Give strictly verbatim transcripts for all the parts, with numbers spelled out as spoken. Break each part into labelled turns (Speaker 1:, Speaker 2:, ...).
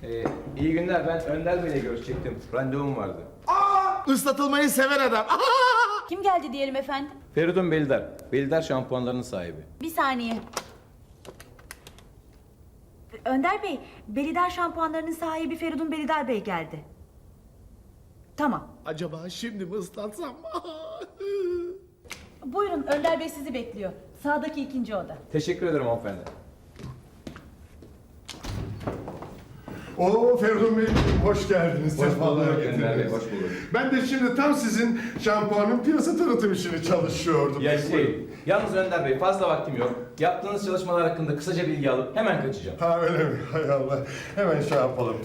Speaker 1: Ee, iyi günler, ben Önder Bey'le görüşecektim. Randevum vardı.
Speaker 2: Aa, ıslatılmayı seven adam. Aa!
Speaker 3: Kim geldi diyelim efendim?
Speaker 1: Feridun Belidar. Belidar şampuanlarının sahibi.
Speaker 3: Bir saniye. Önder Bey, Belidar şampuanlarının sahibi Feridun Belidar Bey geldi. Tamam.
Speaker 2: Acaba şimdi mi ıslatsam?
Speaker 3: Buyurun, Önder Bey sizi bekliyor. Sağdaki ikinci oda.
Speaker 1: Teşekkür ederim hanımefendi.
Speaker 4: Oo Feridun Bey, hoş geldiniz.
Speaker 1: Hoş
Speaker 4: Sefalar
Speaker 1: bulduk
Speaker 4: getirdiniz.
Speaker 1: Önder Bey, hoş bulduk.
Speaker 4: Ben de şimdi tam sizin şampuanın piyasa tanıtım işini çalışıyordum.
Speaker 1: Ya şey, yalnız Önder Bey fazla vaktim yok. Yaptığınız çalışmalar hakkında kısaca bilgi alıp hemen kaçacağım.
Speaker 4: Ha öyle mi? Hay Allah. Hemen şey yapalım.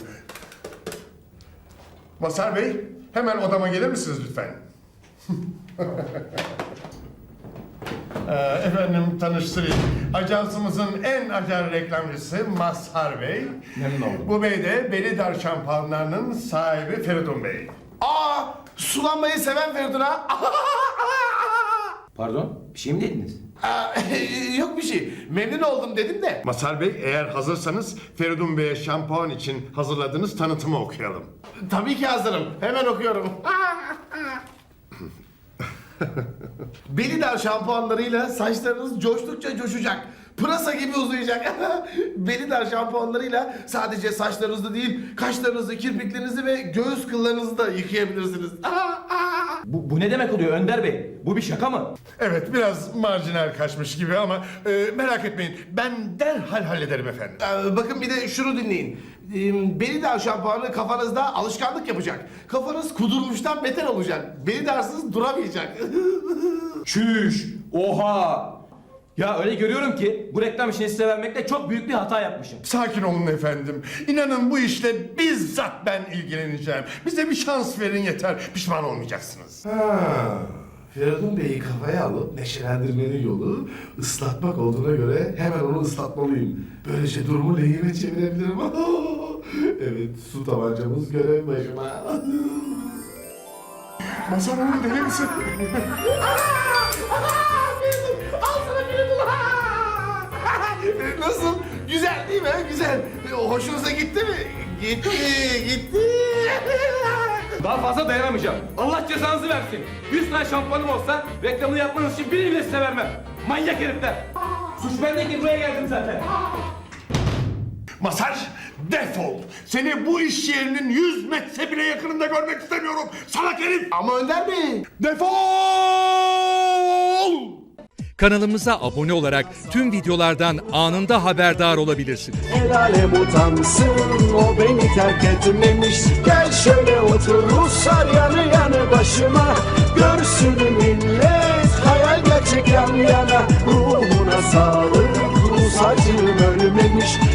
Speaker 4: Mazhar Bey, hemen odama gelir misiniz lütfen? Ee, efendim tanıştırayım. Ajansımızın en acar reklamcısı Mazhar Bey.
Speaker 1: Memnun oldum.
Speaker 4: Bu bey de Belidar şampuanlarının sahibi Feridun Bey.
Speaker 2: Aa, sulanmayı seven Feridun ha.
Speaker 1: Pardon, bir şey mi dediniz?
Speaker 2: Aa, yok bir şey. Memnun oldum dedim de.
Speaker 4: Mazhar Bey, eğer hazırsanız Feridun Bey'e şampuan için hazırladığınız tanıtımı okuyalım.
Speaker 2: Tabii ki hazırım. Hemen okuyorum. Belidar şampuanlarıyla saçlarınız coştukça coşacak. Pırasa gibi uzayacak. Belidar şampuanlarıyla sadece saçlarınızı değil, kaşlarınızı, kirpiklerinizi ve göğüs kıllarınızı da yıkayabilirsiniz.
Speaker 1: Bu, bu ne demek oluyor Önder Bey? Bu bir şaka mı?
Speaker 4: Evet, biraz marjinal kaçmış gibi ama e, merak etmeyin. Ben derhal hallederim efendim.
Speaker 2: Ee, bakın bir de şunu dinleyin. Ee, Belidar şampuanı kafanızda alışkanlık yapacak. Kafanız kudurmuştan beter olacak. Belidarsız duramayacak.
Speaker 1: Çüş! Oha! Ya öyle görüyorum ki bu reklam işini size vermekle çok büyük bir hata yapmışım.
Speaker 4: Sakin olun efendim. İnanın bu işle bizzat ben ilgileneceğim. Bize bir şans verin yeter. Pişman olmayacaksınız.
Speaker 2: Ha, Feridun Bey'i kafaya alıp neşelendirmenin yolu ıslatmak olduğuna göre hemen onu ıslatmalıyım. Böylece durumu lehime çevirebilirim. Evet, su tabancamız görev başıma.
Speaker 4: Mazhar Hanım deli misin?
Speaker 2: Al sana Feridun. Nasıl? Güzel değil mi? Güzel. Hoşunuza gitti mi? Gitti, gitti.
Speaker 1: Daha fazla dayanamayacağım. Allah cezanızı versin. yüz tane şampuanım olsa reklamını yapmanız için birini bile size vermem. Manyak herifler. Suç bende ki buraya geldim zaten.
Speaker 4: Mazhar, defol. Seni bu iş yerinin yüz metre bile yakınında görmek istemiyorum. Salak herif.
Speaker 2: Ama Önder Bey.
Speaker 4: Defol!
Speaker 5: Kanalımıza abone olarak tüm videolardan anında haberdar olabilirsiniz.
Speaker 6: El alem utansın, o beni terk etmemiş. Gel şöyle otur Ruslar yanı yanı başıma. Görsün millet, hayal gerçek yan yana. Ruhuna sağlık, Rus acım ölmemiş.